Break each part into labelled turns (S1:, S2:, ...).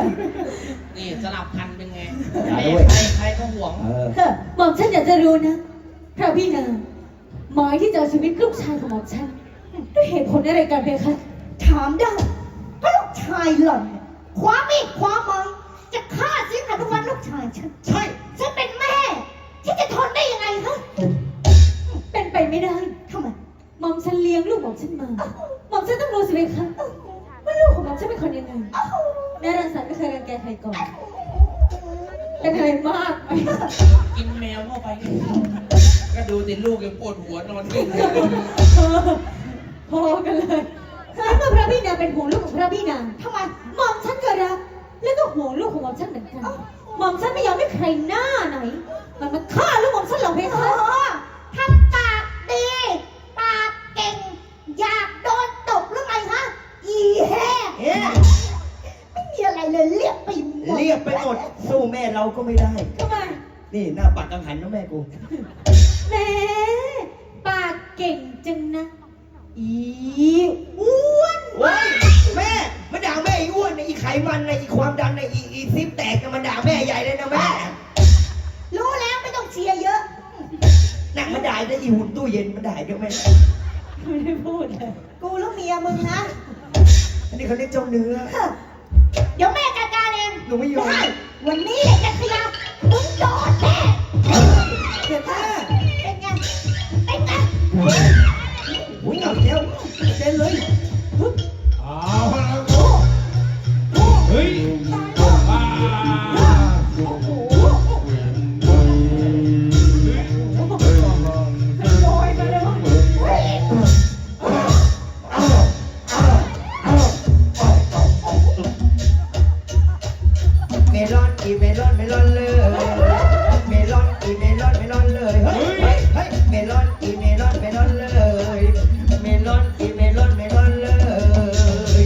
S1: นี่สลับพันเป็นไง
S2: อย่า
S1: แม่
S2: ด้วย
S1: ใครก็ห่วง
S3: หม่อมฉันอยากจะรู้นะพระพี่นางหมายที่จะเอาชีวิตลูกชายของหม่อมฉันด้วยเหตุผลอะไรกันเพคะ
S4: ถามได้เพราะลูกชายหล่อนเนี่ยคว้ามีดคว้าไม้จะฆ่าสิงหานุวัฒน์ลูกชายฉัน
S1: ใช่
S4: ฉันเป็นแม่ ที่จะทนได้ยังไงฮะ
S3: เป็นไปไม่ได้
S4: ทำไม
S3: หม่อมฉันเลี้ยงลูกหม่อมฉันมาหม่อมฉันต้องรู้สิเพคะว่าลูกของหม่อมฉันเป็นคนยังไงแม่รังสรรค์ไม่เคยรังแกใครก่อนเป็นอะไรมากไหม
S1: กินแมวเข้าไปนี่ก็ดูติลูกยังปวดหัวนอนนิ่งเลย
S3: พอกันเลยแล้วเมื่อพระพี่นางเป็นห่วงลูกของพระพี่นาง
S4: ทำไม
S3: หม่อมฉันก็รักแล้วก็ห่วงลูกของหม่อมฉันเหมือนกันหม่อมฉันไม่ยอมให้ใครหน้าไหนมันมาฆ่าลูกหม่อมฉันหรอกเพ
S4: โอ้
S3: คะ
S4: โหทำปากดีปากเก่ง อยากโดนตบหรือไงฮะอีแห่
S2: เอ๊ะ
S4: ไม่มีอะไรเลยเรียกไปหมด
S2: เรียกไปหมดสู้แม่เราก็ไม่ได้
S3: ทำไม
S2: นี่หน้าปัดกังหันนะแม่กู
S3: แหม่ปากเก่งจังนะอีอ้วน
S2: โอ้ยแม่มาด่าแม่อีอ้วนนะอีไขมันนะอีความดันนะอีซิปแตกนะมาด่าแม่ใหญ่เลยนะแม่
S4: รู้แล้วไม่ต้องเชียร์เยอะ
S2: นั่งมาด่าได้อีหุ่นตู้เย็นมาด่าเยอะแม่
S3: ไม่ได้พูดเลย
S4: กูแล้วเมียมึงนะ
S2: อันนี้เขาเรียกเจ้าเนื้อ
S4: เดี๋ยวแม่จัดการเอง
S2: หนูไม่ยอม
S4: ได้วันนี้แหละจะขยับมึงโดนแน่
S2: เจ็บแม่
S4: เป็นไงเป็นไง
S2: อุ้ยเอาเจ้าเต้นเลย
S5: เอาละเฮ้ยว้า
S4: โอ้โหโดยมาเลยวะเฮ้ย
S2: เมลอนอีเมลอนเมลอนเลยเมลอนอีเมลอนเมลอนเลยเฮ้ยเฮ้ยเฮ้ยเมลอนอีเมลอนเมลอนเลยเมลอนอีเมลอนเมลอนเลย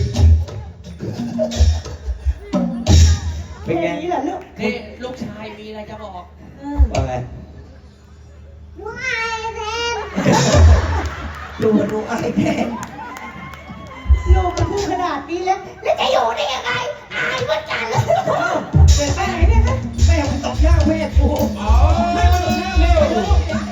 S2: เป็นไง
S4: นี่แหละลูก
S1: นี่ลูกชายมีอะไรจะบอก
S2: ว่าไง
S4: ว้ายแพน
S2: ดูไอ้แทน
S4: ลูกมันพูดขนาดนี้แล้วแล้วจะอยู่ได้ยังไงอายเหมือนกันเลย
S2: แม่แม่แม่ผมตกย่างแม่กู
S5: เอา
S2: แม่มาตกย่างแม่กู